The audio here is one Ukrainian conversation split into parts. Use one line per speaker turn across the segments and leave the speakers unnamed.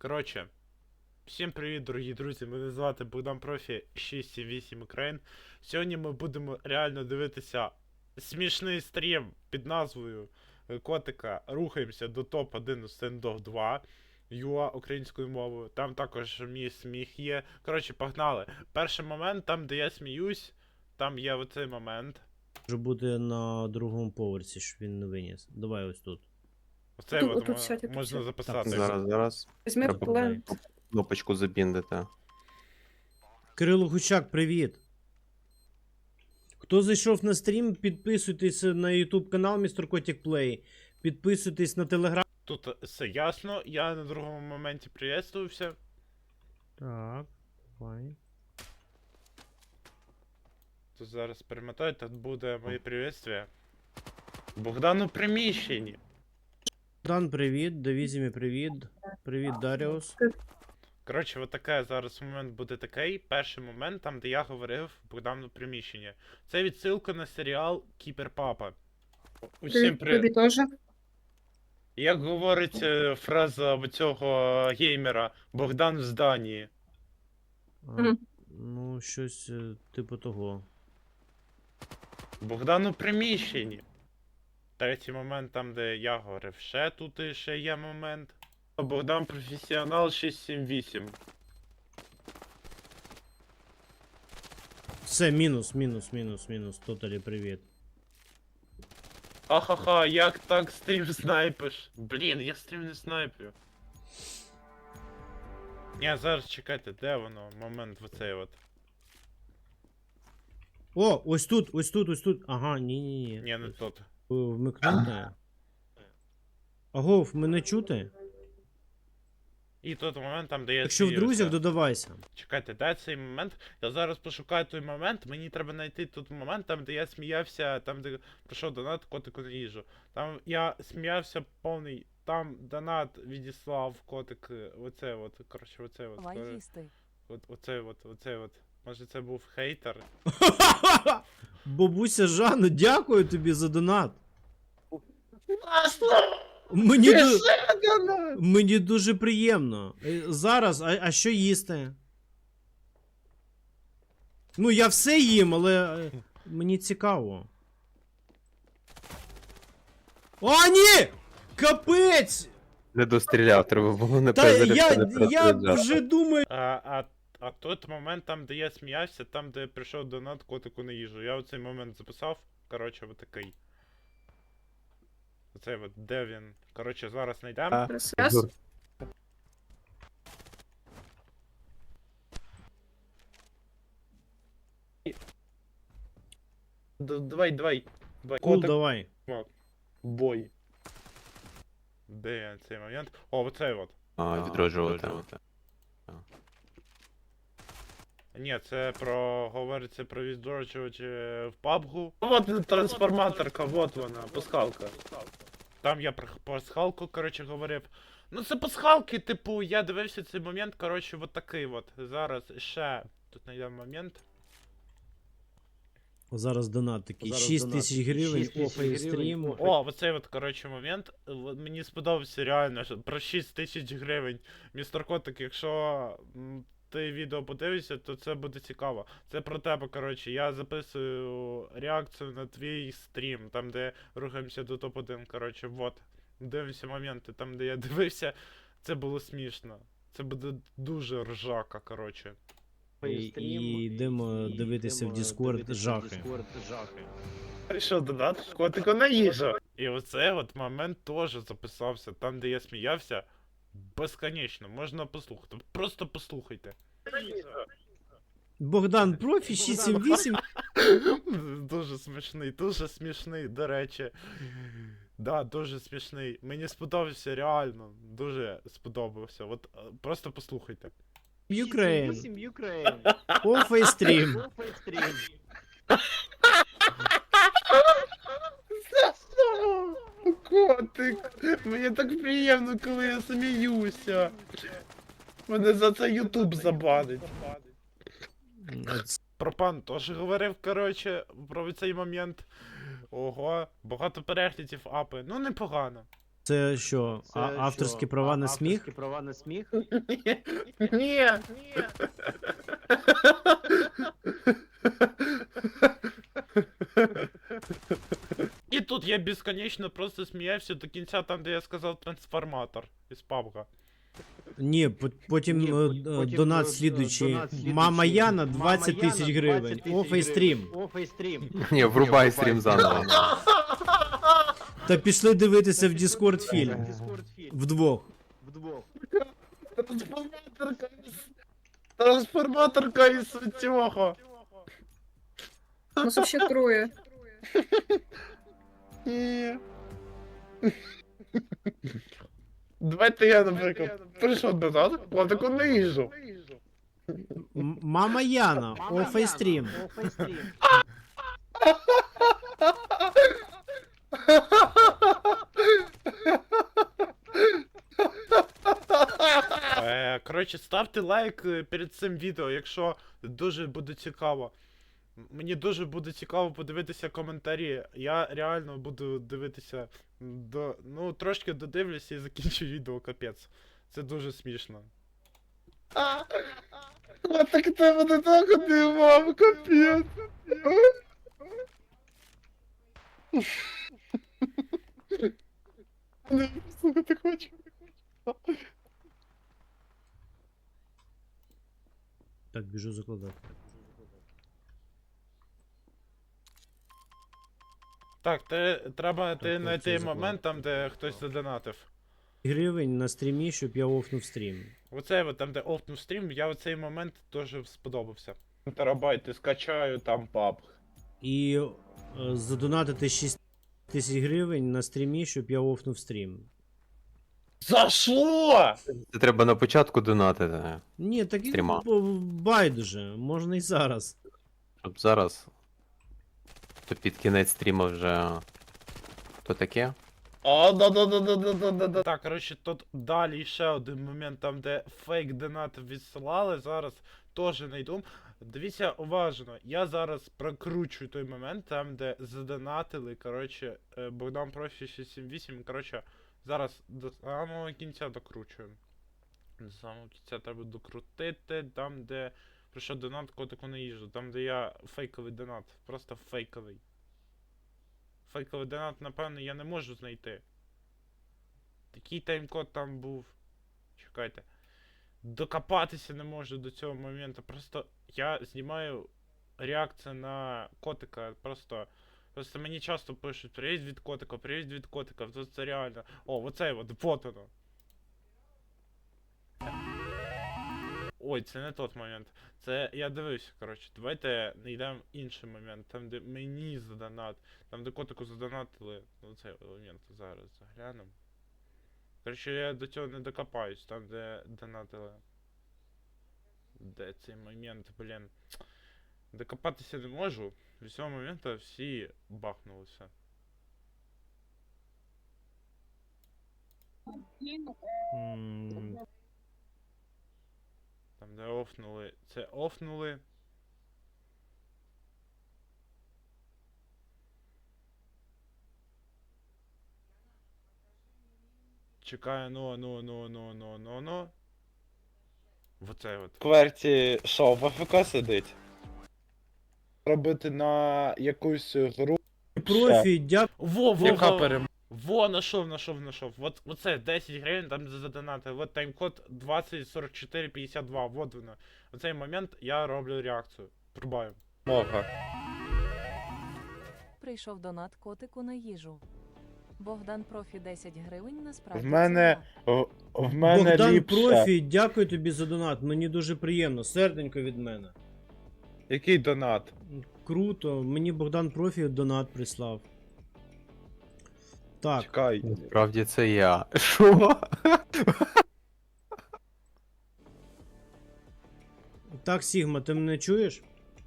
Коротше, всім привіт, дорогі друзі. Мене звати Богдан Профі 678 Україн. Сьогодні ми будемо реально дивитися смішний стрім під назвою Котика Рухаємося до топ-1 стендов 2 ЮА українською мовою. Там також мій сміх є. Коротше, погнали. Перший момент, там де я сміюсь, там є оцей момент.
Може бути на другому поверсі, щоб він не виніс. Давай ось тут.
Оцей
Тут-
от
тут сядь, тут
можна
сядь.
записати.
Зараз
Візьми
Треба
плен.
кнопочку забіндити.
Кирило Гучак, привіт! Хто зайшов на стрім, підписуйтесь на YouTube канал Містер Котик Плей. Підписуйтесь на телеграм.
Тут все ясно, я на другому моменті приветствувався.
Так, давай.
Тут зараз перемотаю, тут буде моє приветствие. Богдан у приміщенні.
Дан, привіт, Давізімі, привіт. Привіт, Даріус.
Коротше, от таке зараз момент буде такий. Перший момент, там де я говорив Богдан у приміщенні. Це відсилка на серіал Кіберпапа. Усім
Тобі
привіт.
теж.
Як говорить фраза цього геймера Богдан в зданні.
А,
Мгм.
Ну, щось типу того.
Богдан у приміщенні. Третій момент, там де я говорив, ще тут і ще є момент. Богдан професіонал 678.
Все, мінус. Тоталі, привіт.
Ха-ха-ха, як так стрім снайпиш? Блін, я стрім не снайплю. Ні, зараз чекайте, де воно? Момент оцей от.
О, ось тут. Ага, ні.
Ні, не тут.
Вмикнути. Агов, мене чути?
І тут момент, там де я
Якщо в
сміюся.
друзях, додавайся.
Чекайте, де цей момент? Я зараз пошукаю той момент, мені треба знайти тут момент, там де я сміявся, там де прийшов донат котику на їжу. Там я сміявся повний, там донат відіслав котик, оце от, коротше, оце от.
Давай їсти.
Оце от. Може це був хейтер?
Бабуся Жанна, дякую тобі за донат.
Класно!
Мені дуже приємно. Зараз, а що їсти? Ну, я все їм, але мені цікаво. О, ні! Капець!
Не достріляв, треба було не
Та
перезаряджати.
я вже думаю.
А тут момент, там де я сміявся, там де прийшов донат котику на їжу. Я оцей момент записав, коротше, отакий. Оцей от, де він? Коротше, зараз знайдемо.
Зараз.
Давай.
Кул, давай.
Бой. Де цей момент? О, оцей от.
Відроджувати.
Ні, це говориться про відроджувач в PUBG. Вот трансформаторка, вот вона, пасхалка. Там я про пасхалку, коротше, говорив. Ну це пасхалки, типу, я дивився цей момент, коротше, от такий от. Зараз ще тут знайдемо момент.
Зараз донат такий. 6 тисяч гривень, офей стрім.
О, оцей от, коротше, момент. Мені сподобався реально, що про 6 тисяч гривень. Містер Котик, якщо ти відео подивишся, то це буде цікаво. Це про тебе, коротше. Я записую реакцію на твій стрім, там де рухаємося до топ-1, коротше, вот. Дивимося моменти, там де я дивився, це було смішно. Це буде дуже ржака, коротше.
І йдемо дивитися в Discord жахи.
Прийшов донат котику на їжу. І оцей от момент теж записався, там де я сміявся. Безконечно, можна послухати. Просто послухайте.
Богдан Профі 678.
Дуже смішний, до речі. Да, дуже смішний. Мені сподобався реально. Дуже сподобався. От просто послухайте.
Ukraine. Офей стрім.
Котик, мені так приємно, коли я сміюся. Мене за це Ютуб забанить. Про пан теж говорив, коротше, про цей момент. Ого, багато переглядів апи. Ну, непогано.
Це що, авторські права на сміх?
Ні. І тут я безконечно просто сміявся до кінця, там, де я сказав трансформатор із PUBG.
Ні, потім донат слідуючий. Мама Яна 20 тисяч гривень. Офейстрім.
Ні, врубай стрім заново.
Та пішли дивитися в Discord фільм. Вдвох.
Трансформаторка із цього.
Нас вообще трое.
Ні. Давайте я, наприклад, прийшов назад, платику не їжу.
Мама Яна, офейстрім. Коротше, ставте лайк перед цим відео, якщо дуже буде цікаво. Мені дуже буде цікаво подивитися коментарі. Я реально буду дивитися ну, трошки додивлюся і закінчу відео, капець. Це дуже смішно. А так тебе не так одивав, капець. Не слухати хочу. Так, біжу закладати.
Так, треба
Так,
знайти
це
момент там, де
заклад.
хтось задонатив.
Гривень на стрімі, щоб я офнув стрім.
Оцей от там, де офнув стрім, я в цей момент теж сподобався. Терабайти, скачаю там паб.
І задонатити 6 тисяч гривень на стрімі, щоб я офнув стрім.
За що?
Це треба на початку донатити,
Ні, так і
Стріма.
байдуже, можна і зараз.
щоб зараз. То під кінець стріму вже. То таке?
Да. Так, коротше, тут далі ще один момент, там, де фейк донат відсилали, зараз теж знайду. Дивіться уважно, я зараз прокручую той момент, там, де задонатили, коротше, Богдан Профі 678, коротше, зараз до самого кінця докручуємо. До самого кінця треба докрутити, там, де прийшов донат котику на їжу, там, де я фейковий донат, просто фейковий. Фейковий донат, напевно, я не можу знайти. Такий таймкод там був. Чекайте. Докопатися не можу до цього моменту. Просто я знімаю реакцію на котика. Просто мені часто пишуть привіт від котика, привіт від котика. Тут це реально. О, оцей от, вот воно. Ой, це не тот момент. Це я дивився, коротше. Давайте знайдемо інший момент. Там, де мені задонат. Там, де котику задонатили. Ну, цей момент зараз заглянемо. Коротше, я до цього не докопаюсь. Там, де донатили. Де цей момент, блін. Докопатися не можу. З цього моменту всі бахнулися.
М,
Там, де офнули. Це офнули. Чекаю, ну. Оце от. Кверті що, в АФК сидить? Робити на якусь гру.
Профі, дякую.
Яка перемога? Во, нашов. Вот, оце 10 гривень, там задонати. Вот таймкод 204452, вот воно. В цей момент я роблю реакцію. Трубаю. Мога.
Прийшов донат котику на їжу. Богдан Профі 10 гривень насправді.
В мене. В мене
Богдан
ліпше.
Профі, дякую тобі за донат. Мені дуже приємно. Серденько від мене.
Який донат?
Круто, мені Богдан Профі донат прислав. Так,
Чекай.
Насправді це я. Що?
так, Сігма, ти мене чуєш?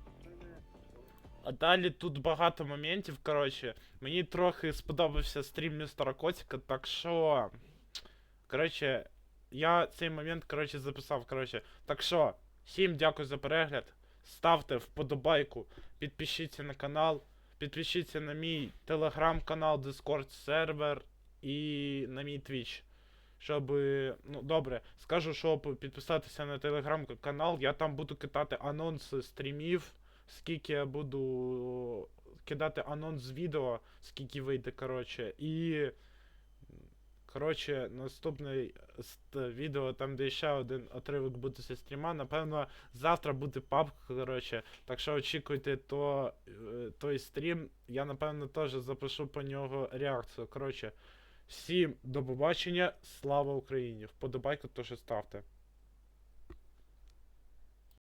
А далі тут багато моментів, коротше. Мені трохи сподобався стрім містера Котика, так що. Коротше, я цей момент, коротше, записав, коротше. Так що, всім дякую за перегляд. Ставте вподобайку, підпишіться на канал, підпишіться на мій телеграм-канал, Discord сервер і на мій Twitch. Щоб, ну добре, скажу, щоб підписатися на телеграм-канал, я там буду кидати анонси стрімів, скільки я буду кидати анонс з відео, скільки вийде, коротше, і. Коротше, наступне відео, там де ще один отривок буде зі стріма, напевно, завтра буде паб, коротше, так що очікуйте той стрім, я напевно теж запишу по нього реакцію. Коротше, всім до побачення, слава Україні! Вподобайку теж ставте.